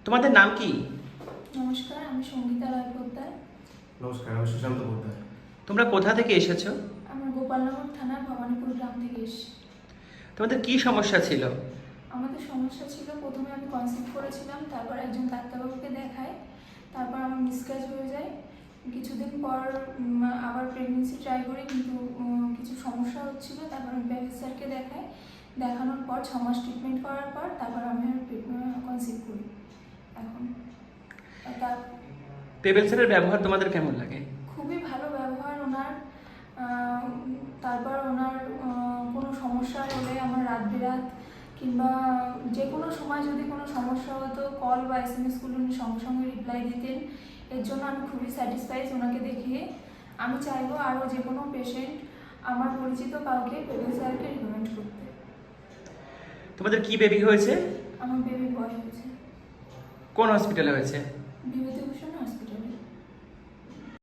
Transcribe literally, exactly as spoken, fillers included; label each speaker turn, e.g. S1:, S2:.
S1: তোমাদের নাম কি?
S2: নমস্কার, আমি সঙ্গীতা রায় পোদ্দার।
S3: নমস্কার, আমি সুশান্ত পোদ্দার।
S1: তোমরা কোথা থেকে এসেছো?
S2: আমরা গোপালনগর থানার ভবানীপুর গ্রাম থেকে এসেছি।
S1: তোমাদের কি সমস্যা ছিল?
S2: আমাদের সমস্যা ছিল, প্রথমে আমি কনসিভ করেছিলাম, তারপর একজন ডাক্তারবাবুকে দেখাই, তারপর আমার মিসক্যারেজ হয়ে যায়। কিছুদিন পর উম, আবার প্রেগনেন্সি ট্রাই করি, কিন্তু উম, কিছু সমস্যা হচ্ছিল। তারপর আমি ব্যাগেজ স্যারকে দেখাই, দেখানোর পর ছ মাস ট্রিটমেন্ট করার পর তারপর আমি কনসিভ করি এখন। তার
S1: পেবেল স্যারের ব্যবহার তোমাদের কেমন লাগে?
S2: খুবই ভালো ব্যবহার ওনার। আহ, তারপর ওনার আহ, কোনো সমস্যা হলে আমার রাত বেরাত কিংবা যে কোনো সময় যদি কোনো সমস্যা হতো, কল বা এস এম এসগুলো উনি সঙ্গে সঙ্গে রিপ্লাই দিতেন। এর জন্য আমি খুবই স্যাটিসফাইড ওনাকে দেখিয়ে। আমি চাইবো আরও যে কোনো পেশেন্ট আমার পরিচিত কাউকে পেবেল স্যারকে রিকমেন্ড করতে।
S1: তোমাদের কি বেবি হয়েছে?
S2: আমার বেবি বয় হয়েছে,
S1: কোন হসপিটালে হয়েছে?
S2: বিভূতি